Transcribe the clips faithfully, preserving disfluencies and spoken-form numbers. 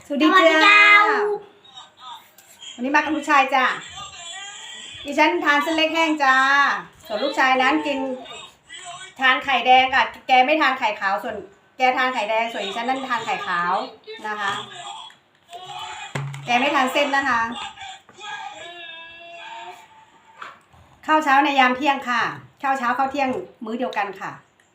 สวัสดีจ้าวันนี้มากับลูกชายจ้าดิฉันทานเส้นเล็กแห้งจ้าส่วนลูกชายนั้นกินทานไข่แดงอ่ะแกไม่ทานไข่ขาวส่วนแกทานไข่แดงส่วนดิฉันนั่นทานไข่ขาวนะคะแกไม่ทานเส้นนะคะข้าวเช้าในยามเที่ยงค่ะข้าวเช้าข้าวเที่ยงมื้อเดียวกันค่ะ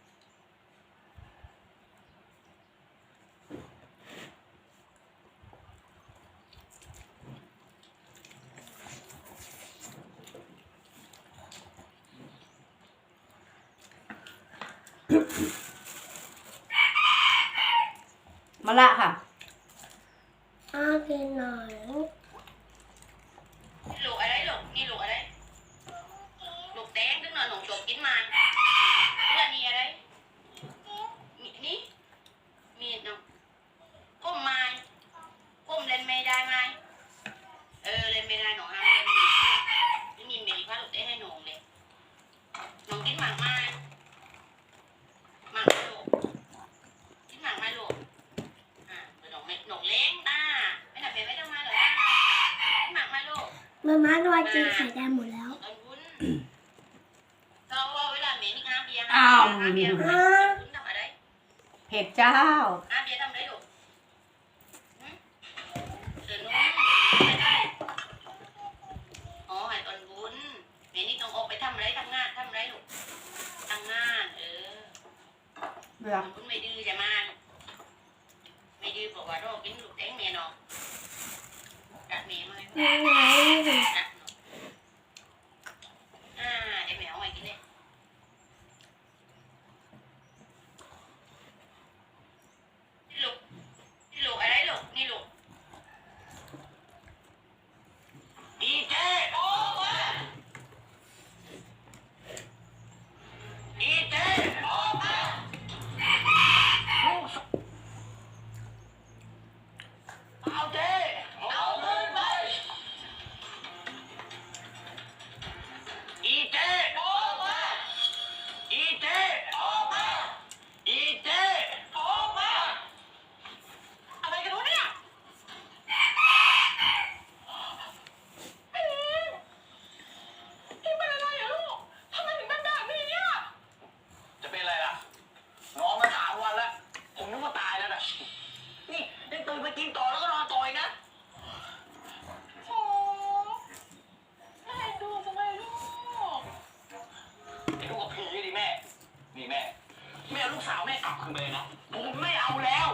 มะละค่ะอ้ากินหน่อยลูกอะไรลูกนี่ลูกอะไรลูกแดงตึ้งหน่อยหนูจบกินมาเรื่องนี้อะไรมีนี่มีดเนาะก้มไม้ก้มเล่นไม่ได้ไหมเออเล่นไม่ได้หนูห้ามเล่นไม่มีเมย์พาลูกได้ให้หนูเลยหนูกินหมากไม้หมากลูกกินหมากไม้ลูกอ่าหนูไม่หนูเล้งตาไม่หนักเมย์ไม่ต้องมาหรอกกินหมากไม้ลูกมาม่าโดนกินไข่แดงหมดแล้วอ้าวเบียร์ทำอะไรเผ็ดเจ้าอาเบียร์ทำอะไรลูกเดินนู้นอ๋อหายตอนบุญเมนี่ต้องออกไปทำอะไรทำงานทำอะไรลูกทำงานเออเบื่อบุญไม่ดื้อจะมาไม่ดื้อบอกว่าโรคกินลูกแทงเมียเนาะกัดเมียมาเลยกัดอ่าเดี๋ยวแมวไว้กินเลยกินต่อแล้วก็นอนต่อยนะโอ้แม่ดูทำไมลูกไอ้ลูกกับผีดิแม่นี่แม่แม่ลูกสาวแม่กลับคืนไปเลยนะผมไม่เอาแล้ว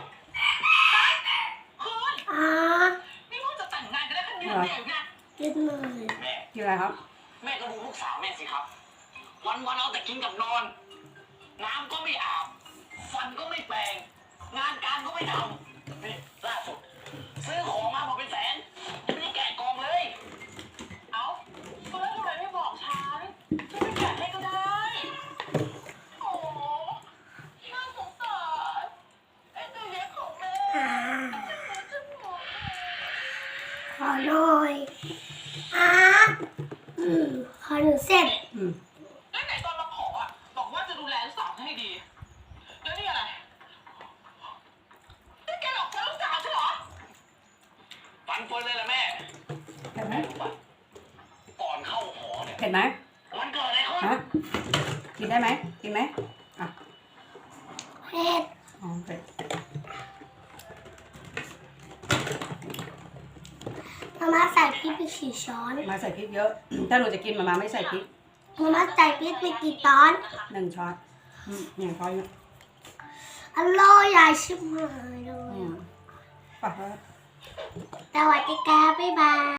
คุณอ่านี่พ่อจะแต่งงานกันได้แค่เดือนเดียวนะกินหน่อยแม่กินอะไรครับแม่ก็ดูลูกสาวแม่สิครับวันวันเอาแต่กินกับนอนน้ำก็ไม่อาบฟันก็ไม่แปรงงานการก็ไม่ทำนี่ล่าสุดซื้อของมาบอกเป็นแสนยังไม่ได้แกะกล่องเลยเอาก็แล้วทำไมไม่บอกฉันฉันไปแกะให้ก็ได้โอ้น่าสงสารไอ้ตัวเล็กของแม่อ่าขอหน่อยอ่าอืมขอหนึ่งเส้นอืมแล้วไหนตอนมาขออ่ะบอกว่าจะดูแลลูกสาวให้ดีแล้วนี่อะไรนี่แกหลอกฉันลูกสาวใช่เหรอฟันเฟิร์นเลยล่ะแม่เผ็ดไหมก่อนเข้าหอเนี่ยเผ็ดไหมมันเกิดอะไรขึ้นฮะกินได้ไหมกินไหมอ่ะเผ็ดอ๋อเผ็ดมาม่าใส่พริกไปสี่ช้อนมาใส่พริกเยอะถ้าหนูจะกินมาม่าไม่ใส่พริกมาม่าใส่พริกไปกี่ช้อนหนึ่งช้อนอืมหนึ่งช้อนอร่อยใหญ่ชิบหายเลยป่ะสวัสดีค่ะบ๊ายบาย